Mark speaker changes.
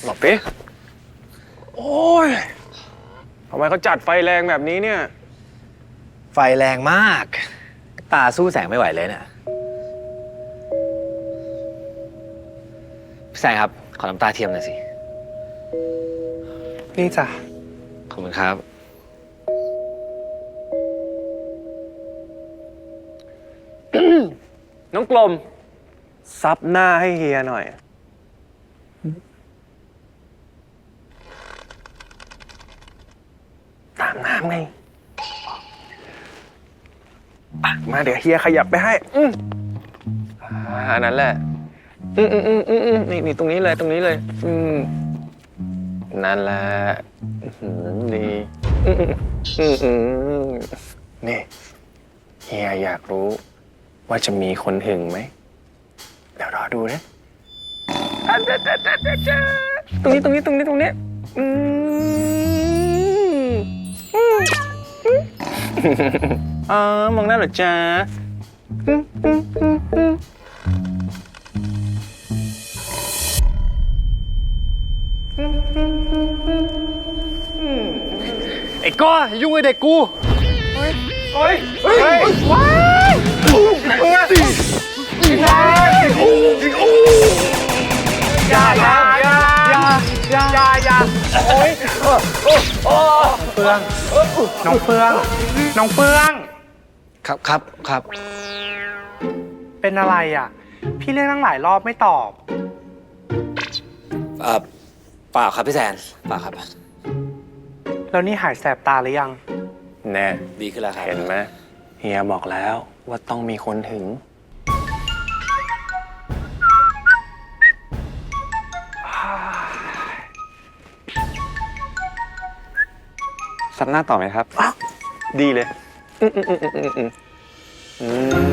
Speaker 1: หลบดิโอ้ยทำไมเขาจัดไฟแรงแบบนี้เนี่ย
Speaker 2: ไฟแรงมากตาสู้แสงไม่ไหวเลยเนี่ยพี่แซงครับขอน้ำตาเทียมหน่อยสิ
Speaker 3: นี่จ้ะ
Speaker 2: ขอบคุณครับ
Speaker 1: น้องกลมซับหน้าให้เฮียหน่อยตามน้ำไงมาเดี๋ยวเฮียขยับไปให้อันนั้นแหละนี่ตรงนี้เลยตรงนี้เลยนั่นแหละดีนี่เฮียอยากรู้ว่าจะมีคนหึงไหมเดี๋ยวรอดูนะตรงนี้มองหน้าเหรอจ๊ะ
Speaker 3: ไอ้ก้อยุ่งไอ้เด็กกู
Speaker 1: ว้ายอย่าโอ๊ย
Speaker 3: เฟืองน้องเฟือง
Speaker 2: ครับ
Speaker 3: เป็นอะไรอ่ะพี่เรียกตั้งหลายรอบไม่ตอบ
Speaker 2: เปล่าครับพี่แซนเปล่าครับ
Speaker 3: แล้วนี่หายแสบตาหรือยัง
Speaker 1: แน่
Speaker 2: ดีขึ้นแล้วครับ
Speaker 1: เห็นไหมเฮียบอกแล้วว่าต้องมีคนหึงซับหน้าต่อไหมครับดีเลย